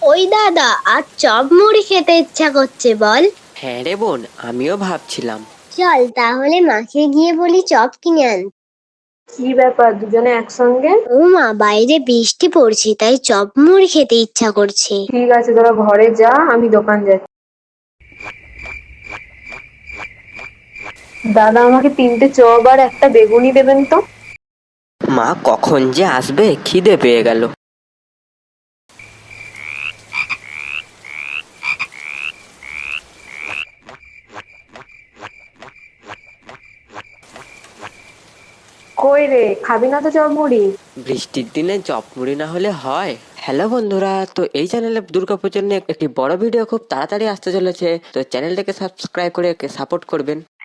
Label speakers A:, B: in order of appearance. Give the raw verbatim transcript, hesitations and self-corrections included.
A: ওই দাদা, আর চপ মুড়ি খেতে ইচ্ছা করছে বল।
B: হ্যাঁ রে বোন, আমিও ভাবছিলাম।
A: চল তাহলে মাকে গিয়ে বলি চপ কিনে আন।
C: কি ব্যাপার, দুজনে একসঙ্গে?
A: ও মা, বাইরে বৃষ্টি পড়ছে তাই চপ মুড়ি খেতে ইচ্ছা করছে।
C: ঠিক আছে, তোরা ঘরে যা, আমি দোকান যাচ্ছি। দাদা, আমাকে তিনটে চপ আর একটা বেগুনি দেবেন তো।
B: মা কখন যে আসবে, খিদে পেয়ে গেল।
C: কই রে, খাবি না তো চপ মুড়ি?
B: বৃষ্টির দিনে চপ মুড়ি না হলে হয়? হ্যালো বন্ধুরা, তো এই চ্যানেলে দুর্গাপুজোর নিয়ে একটি বড় ভিডিও খুব তাড়াতাড়ি আসতে চলেছে, তো চ্যানেলটাকে সাবস্ক্রাইব করে সাপোর্ট করবেন।